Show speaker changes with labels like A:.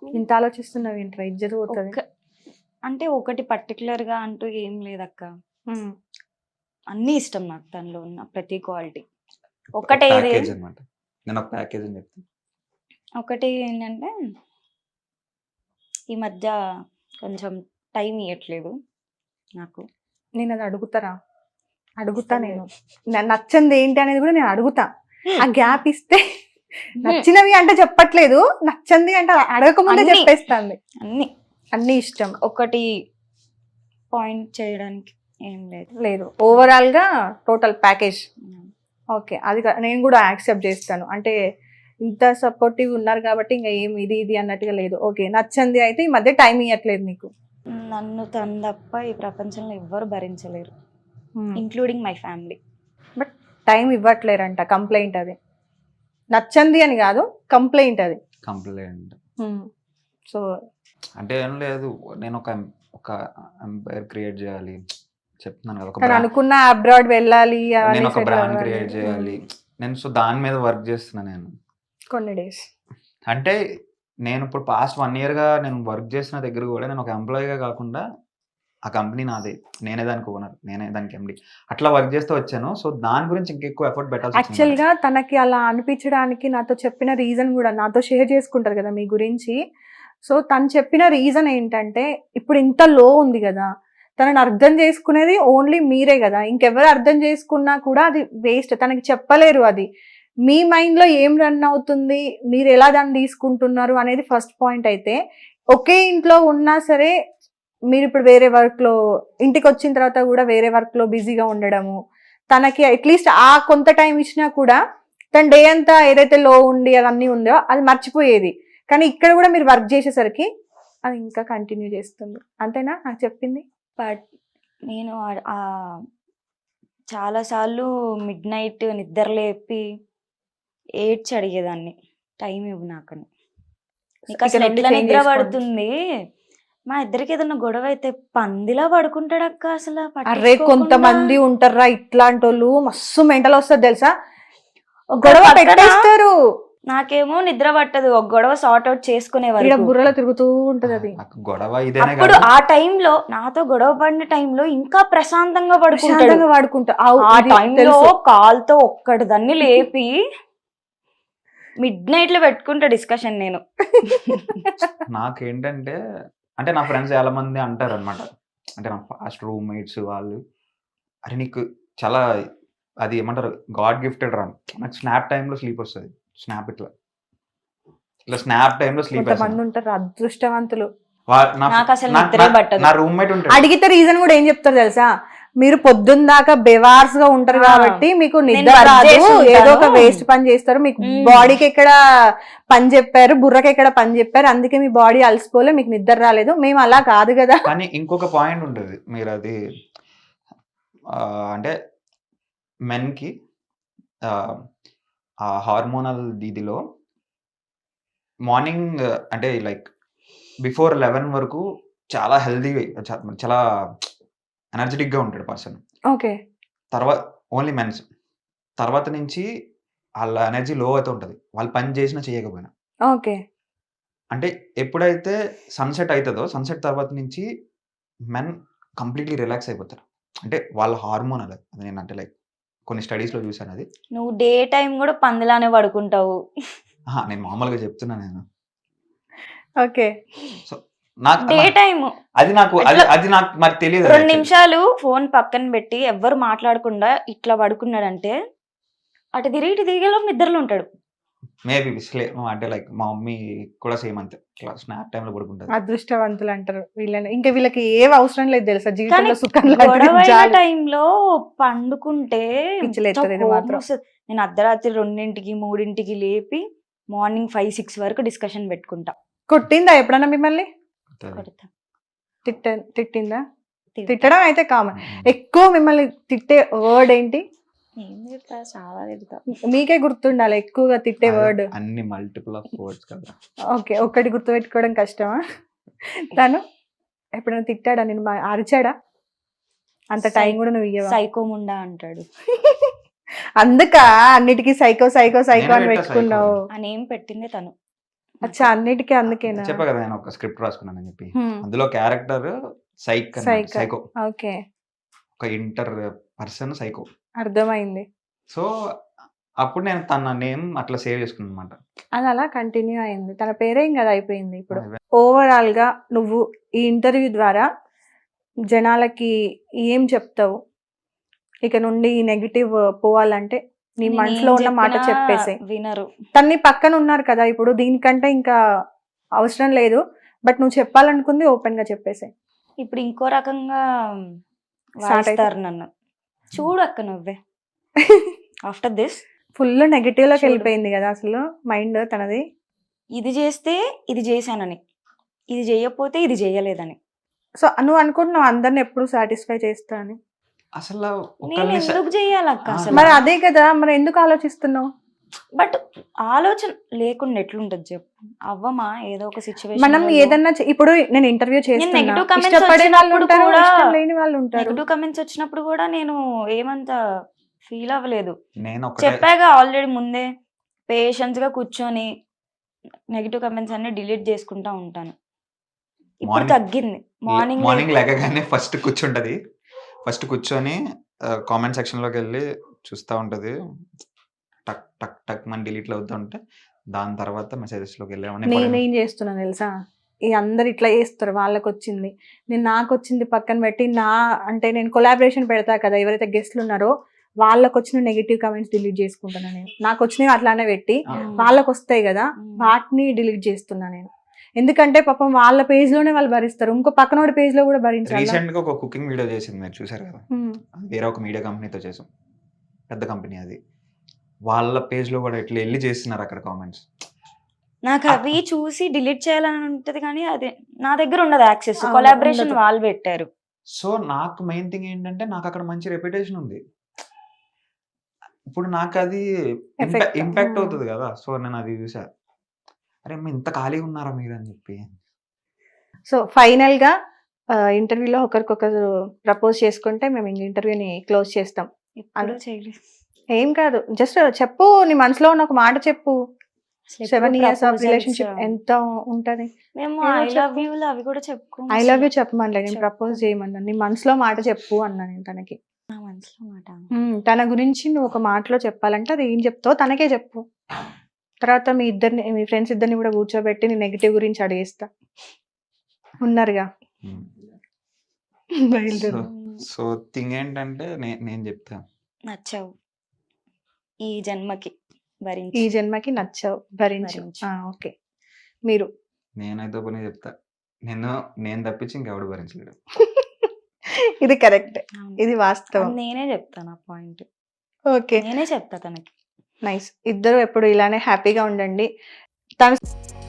A: ఇంత ఆలోచిస్తున్నావు ఏంట్రా, ఇజ్జత్ పోతుంది.
B: అంటే ఒకటి పర్టికులర్ గా అంటూ ఏం లేదక్క, అన్ని ఇష్టం నాకు తనలో ఉన్న ప్రతి క్వాలిటీ. ఒకటే
C: ప్యాకేజ్ అన్నమాట. నేను ఒక ప్యాకేజ్ అని చెప్తాను.
B: ఒకటి ఏంటంటే ఈ మధ్య కొంచెం టైం ఇవ్వట్లేదు నాకు.
A: నేను అది అడుగుతా నేను నచ్చంది ఏంటి అనేది కూడా నేను అడుగుతా. ఆ గ్యాప్ ఇస్తే నచ్చినవి అంటే చెప్పట్లేదు, నచ్చంది అంటే అడగకముందే చెప్పేస్తాంది. అన్ని ఇష్టం.
B: ఒకటి పాయింట్ చేయడానికి ఏం
A: లేదు ఓవరాల్ గా టోటల్ ప్యాకేజ్. ఓకే, అది నేను కూడా యాక్సెప్ట్ చేస్తాను. అంటే ఇంత సపోర్టివ్ ఉన్నారు కాబట్టి ఇంకా ఏం ఇది అన్నట్టుగా లేదు. ఓకే, నచ్చంది అయితే ఈ మధ్య టైం ఇవ్వట్లేదు నీకు.
B: నన్ను తను తప్ప ఈ ప్రపంచంలో ఎవ్వరు భరించలేరు, including my family.
A: But time ఇవ్వట్లేరంట, కంప్లైంట్ అది. నచ్చంది అని కాదు, కంప్లైంట్ అది.
C: కంప్లైంట్.
A: సో
C: అంటే ఏం లేదు, నేను ఒక ఎంపైర్ క్రియేట్ చేయాలి చెప్తున్నాను కదా,
A: నేను అనుకున్న అబ్రాడ్ వెళ్ళాలి,
C: నేను ఒక బ్రాండ్ క్రియేట్ చేయాలి నేను. సో దాని మీద వర్క్ చేస్తున్నా నేను
A: కొన్ని డేస్.
C: అంటే నేను ఇప్పుడు పాస్ట్ 1 year గా నేను వర్క్ చేసిన దగ్గర కూడా నేను ఒక ఎంప్లాయీగా కాకుండా ఆ కంపెనీ నాదే, నేనే దానికి ఓనర్, నేనే దానికి ఎండి, అట్లా వర్క్ చేస్తూ వచ్చాను. సో దాని గురించి ఇంకెక్కువ ఎఫర్ట్ పెట్టాల్సి వచ్చింది.
A: యాక్చువల్గా తనకి అలా అనిపించడానికి నాతో చెప్పిన రీజన్ కూడా నాతో షేర్ చేసుకుంటారు కదా మీ గురించి. సో తను చెప్పిన రీజన్ ఏంటంటే, ఇప్పుడు ఇంత లో ఉంది కదా, తనని అర్థం చేసుకునేది ఓన్లీ మీరే కదా, ఇంకెవరు అర్థం చేసుకున్నా కూడా అది వేస్ట్. తనకి చెప్పలేరు అది. మీ మైండ్లో ఏం రన్ అవుతుంది, మీరు ఎలా దాన్ని తీసుకుంటున్నారు అనేది ఫస్ట్ పాయింట్. అయితే ఒకే ఇంట్లో ఉన్నా సరే మీరు ఇప్పుడు వేరే వర్క్లో, ఇంటికి వచ్చిన తర్వాత కూడా వేరే వర్క్లో బిజీగా ఉండడము, తనకి అట్లీస్ట్ ఆ కొంత టైం ఇచ్చినా కూడా తన డే అంతా ఏదైతే లో ఉండి అవన్నీ ఉందో అది మర్చిపోయేది. కానీ ఇక్కడ కూడా మీరు వర్క్ చేసేసరికి అది ఇంకా కంటిన్యూ చేస్తుంది. అంతేనా నాకు చెప్పింది?
B: బట్ నేను చాలాసార్లు మిడ్ నైట్ నిద్ర లేపి ఏడ్చి అడిగేదాన్ని, టైం ఇవ్వు నాకని. నీకు అసలు ఎట్లా నిద్ర పడుతుంది, మా ఇద్దరికి ఏదన్నా గొడవ అయితే పందిలా పడుకుంటాడు అక్క. అసలు
A: అరే కొంతమంది ఉంటారా ఇట్లాంటి వాళ్ళు, మస్తు మెంటల్ వస్తుంది తెలుసా, గొడవ పెట్టేస్తారు.
B: నాకేమో నిద్ర పట్టదు, ఒక గొడవ సార్ట్ అవుట్ చేసుకునేవారు,
A: బుర్రలో తిరుగుతూ ఉంటది అది
C: గొడవ.
B: అప్పుడు ఆ టైంలో నాతో గొడవ పడిన టైంలో ఇంకా ప్రశాంతంగా
A: పడుకుంటా.
B: ఆ టైంలో కాల్తో ఒక్కటి దాన్ని లేపి మిడ్ నైట్ లో పెట్టుకుంటా డిస్కషన్. నేను
C: నాకేంటంటే, అంటే నా ఫ్రెండ్స్ చాలా మంది అంటారు అనమాట, అంటే నా ఫాస్ట్ రూమ్మేట్స్ వాళ్ళు, అరే నీకు చాలా అది ఏమంటారు గాడ్ గిఫ్టెడ్ రా, నాకు స్నాప్ టైంలో స్లీప్ వస్తుంది. స్నాప్ ఇట్లా స్నాప్ టైంలో స్లీప్
A: ఉంటారు అదృష్టవంతులు.
C: నా రూమ్మేట్ ఉంటాడు,
A: అడిగితే రీజన్ కూడా ఏం చెప్తారు తెలుసా, మీరు పొద్దున్న దాకా బెవార్స్ గా ఉంటారు కాబట్టి మీకు నిద్ర రాదు, ఏదో ఒక వేస్ట్ పని చేస్తారు, మీకు బాడీకి ఎక్కడ పని చెప్పారు, బుర్రకి ఎక్కడ పని చెప్పారు, అందుకే మీ బాడీ అలసిపోలే, మీకు నిద్ర రాలేదు. మేము అలా కాదు కదా.
C: కానీ ఇంకొక పాయింట్ ఉంటుంది, మీరు అది అంటే మెన్ కి ఆ హార్మోనల్ దీదిలో మార్నింగ్ అంటే లైక్ బిఫోర్ 11 వరకు చాలా హెల్దీగా, చాలా ఎనర్జెటిక్ గా ఉంటాడు పర్సన్.
A: ఓకే,
C: తర్వాత ఓన్లీ మెన్స్, తర్వాత నుంచి వాళ్ళ ఎనర్జీ లో అవుతూ ఉంటుంది, వాళ్ళు పని చేసినా చేయకపోయినా.
A: ఓకే,
C: అంటే ఎప్పుడైతే సన్సెట్ అవుతుందో, సన్సెట్ తర్వాత నుంచి మెన్ కంప్లీట్లీ రిలాక్స్ అయిపోతారు. అంటే వాళ్ళ హార్మోన్ అది నేను అంటే లైక్ కొన్ని స్టడీస్ లో చూసాను అది.
B: నువ్వు డే టైం కూడా పందిలానే పడుకుంటావు.
C: నేను మామూలుగా చెప్తున్నా నేను.
B: ఓకే, డే టైం
C: అది నాకు మరి తెలియదు.
B: 2 నిమిషాలు ఫోన్ పక్కన పెట్టి ఎవ్వరు మాట్లాడకుండా ఇట్లా పడుకున్నాడంటే అటు తిరిగి ఇటు తిరిగేలో నిద్రలో ఉంటాడు.
C: మేబీ అంటే లైక్ మా మమ్మీ కూడా సేమ్ అంతే, స్నాప్ టైం లో పడుకుంటారు.
A: అదృష్టవంతులు అంటారు వీళ్ళని. ఇంకా వీళ్ళకి ఏం అవసరం లేదు తెలుసా జీవితంలో, సుఖం
B: టైంలో పండుకుంటే నేను అర్ధరాత్రి 2ంటికి 3ంటికి లేపి మార్నింగ్ 5-6 వరకు డిస్కషన్ పెట్టుకుంటా.
A: కొట్టిందా ఎప్పుడన్నా మిమ్మల్ని? తిట్టిందా? తిట్టడం అయితే కామన్. ఎక్కువ మిమ్మల్ని తిట్టే వర్డ్ ఏంటి?
B: చాలా తిడతా.
A: మీకే గుర్తుండాలి ఎక్కువగా తిట్టే వర్డ్.
C: అన్ని మల్టిపుల్ ఆఫ్ వర్డ్స్ కదా.
A: ఓకే, ఒక్కటి గుర్తుపెట్టుకోవడం కష్టమా? తను ఎప్పుడైనా తిట్టాడా, నేను అరిచాడా? అంత టైం కూడా నువ్వు ఇయ్యవా?
B: సైకోముండా అంటాడు.
A: అందుక అన్నిటికీ సైకో సైకో సైకో అని పెట్టుకున్నావు.
B: అని ఏం పెట్టిందే తను.
A: అచ్చా అన్నిటికీ అందుకేనా?
C: చెప్పా కదా నేను ఒక స్క్రిప్ట్ రాసుకున్నానని చెప్పి.
A: హ్మ్.
C: అందులో క్యారెక్టర్ సైకో.
A: సైకో. ఓకే.
C: ఒక ఇంటర్ పర్సన్ సైకో.
A: అర్థమైంది.
C: సో అప్పుడు నేను తన నేమ్ అట్లా సేవ్ చేసుకున్నాను అనమాట.
A: అది అలా కంటిన్యూ అయింది. తన పేరే ఇంక అది అయిపోయింది ఇప్పుడు. ఓవరాల్‌గా నువ్వు ఈ ఇంటర్వ్యూ ద్వారా జనాలకి ఏం చెప్తావు? ఇక నుండి ఈ నెగెటివ్ పోవాలంటే నీ
B: నేను
A: మనసులో
B: ఏం
A: ఉన్న మాట
B: చెప్పినా
A: చెప్పేసేయ్.
B: వినరు.
A: తన్ని పక్కన ఉన్నారు కదా! ఇప్పుడు దీనికంటే ఇంకా అవసరం లేదు. బట్ నువ్వు చెప్పాలనుకుంది ఓపెన్‌గా చెప్పేసేయ్.
B: ఇప్పుడు ఇంకో రకంగా
A: స్టార్ట్ అయితే
B: వాయిస్తారు నన్ను. చూడు అక్క నువ్వే. ఆఫ్టర్ దిస్
A: ఫుల్ నెగెటివ్‌లోకి
B: చూడు.
A: వెళ్ళిపోయింది కదా అసలు మైండ్ తనది.
B: ఇది చేస్తే ఇది చేశానని, ఇది చేయకపోతే ఇది చేయలేదని.
A: సో నువ్వు అనుకుంటున్నావు అందరిని ఎప్పుడు సాటిస్ఫై చేస్తా అని.
C: అసలు
B: నేను
C: ఒకళ్ళని
B: ఎందుకు చేయాలక్క
C: ఆ.
B: అసలు?
A: మరి అదే కదా! మరి ఎందుకు ఆలోచిస్తున్నావు?
B: బట్ ఆలోచన లేకుండా ఎట్లుంటది చెప్పు? అవ్వమా ఏదో ఒక
A: మనం
B: సిచ్యువేషన్
A: ఏదన్నా ఇప్పుడు నేను ఇంటర్వ్యూ చేస్తున్నా.
B: negative comments
A: ఇష్టపడే వాళ్ళు
B: వచ్చినప్పుడు
A: ఉంటారు,
B: కూడా-
A: ఇష్టం లేని వాళ్ళు ఉంటారు.
B: నెగటివ్ కమెంట్స్ వచ్చినప్పుడు కూడా నేను ఏమంత ఫీల్ అవ్వలేదు.
C: నేను ఒకటే
B: చెప్పాగా ఆల్రెడీ ముందే పేషెన్స్ గా కూర్చొని నెగటివ్ కమెంట్స్ అన్ని డిలీట్ చేసుకుంటా ఉంటాను. ఇప్పుడు
C: మార్నింగ్
B: తగ్గింది. మార్నింగ్
C: మార్నింగ్ లేకగానే ఫస్ట్ కూర్చుంటది. ఫస్ట్ కూర్చొని కామెంట్ సెక్షన్ లోకి వెళ్ళి చూస్తూ ఉంటది. టక్ టక్ టక్ మన డిలీట్లు అవుతూ ఉంటే దాని తర్వాత మెసేజెస్ లోకి వెళ్ళామని
A: నేనేం చేస్తున్నా తెలుసా? ఈ అందరు ఇట్లా చేస్తారు, వాళ్ళకి వచ్చింది, నేను నాకు వచ్చింది పక్కన పెట్టి అంటే నేను కొలాబరేషన్ పెడతా కదా, ఎవరైతే గెస్ట్లు ఉన్నారో వాళ్ళకి వచ్చిన నెగిటివ్ కమెంట్స్ డిలీట్ చేసుకుంటున్నా నేను. నాకు వచ్చినవి అట్లానే పెట్టి వాళ్ళకి వస్తాయి కదా వాటిని డిలీట్ చేస్తున్నా నేను. ఎందుకంటే పాపం వాళ్ళ పేజ్ లోనే వాళ్ళు భరిస్తారు, ఇంకో పక్కనోడి పేజ్ లో కూడా భరించాలి.
C: రీసెంట్ గా ఒక కుకింగ్ వీడియో చేసింది, మీరు చూసారు కదా? అది వేరే ఒక మీడియా కంపెనీతో చేసాం, పెద్ద కంపెనీ అది. వాళ్ళ పేజ్ లో కూడా ఇట్లా వెళ్ళి చేస్తున్నారు అక్కడ కామెంట్స్.
B: నాకు అవి చూసి డిలీట్ చేయాలని ఉంటది కానీ అదే నా దగ్గర ఉండదు యాక్సెస్.
A: అవును,
B: కొలాబరేషన్
A: ఉండదు.
B: వాళ్ళు పెట్టారు.
C: సో నాకు మెయిన్ థింగ్ ఏంటంటే నాకు అక్కడ మంచి రెప్యుటేషన్ ఉంది. ఇప్పుడు నాకు అది
A: Effect.
C: ఇంపాక్ట్ అవుతుంది కదా. సో నేను అది చూసా, అరే అమ్మ ఇంత ఖాళీగా ఉన్నారా మీరు అని చెప్పి.
A: సో ఫైనల్ గా ఇంటర్వ్యూలో ఒకరికొకరు ప్రపోజ్ చేసుకుంటే మేము ఇంక ఇంటర్వ్యూని క్లోజ్ చేస్తాం.
B: ఇప్పుడు చేయలేదు.
A: ఏం కాదు, జస్ట్ చెప్పు, నీ మనసులో ఉన్న ఒక మాట చెప్పు.
B: అసలు
A: 7
B: ఎప్పుడు
A: years ఆఫ్
B: proposals,
A: రిలేషన్షిప్ ఎంత ఉంటది?
B: మేము
A: ఏదో
B: ఐ లవ్
A: చెప్పు.
B: యూ అవి కూడా చెప్పుకో.
A: ఐ లవ్ యూ చెప్పమనలే, నేను
B: చెప్పు.
A: ప్రపోజ్ చేయమన్నా. నీ మనసులో మాట చెప్పు అన్నా నేను తనకి.
B: నా మనసులో మాట.
A: తన గురించి నువ్వు ఒక మాటలో చెప్పాలంటే అది ఏం చెప్తావు తనకే చెప్పు. తర్వాత మీ ఫ్రెండ్స్ ఇద్దరిని కూడా కూర్చోబెట్టి నీ నెగిటివ్ గురించి అడిగేస్తా. ఉన్నారుగా, బయలుదేరు.
C: సో థింగ్ ఏంటంటే నేను చెప్తా,
B: నచ్చావు ఈ జన్మకి
A: ఈ
B: భరించి.
A: జన్మకి నచ్చావు, భరించు.
B: భరించు.
A: ఓకే, మీరు
C: నేనైతే పని చెప్తా, నేను తప్పించి ఇంకెవడు భరించలేడు.
A: ఇది కరెక్ట్,
B: అవును.
A: ఇది వాస్తవం.
B: అది నేనే చెప్తాను ఆ పాయింట్.
A: ఓకే,
B: నేనే చెప్తా తనకి.
A: నైస్. ఇద్దరు ఎప్పుడు ఇలానే హ్యాపీగా ఉండండి. తను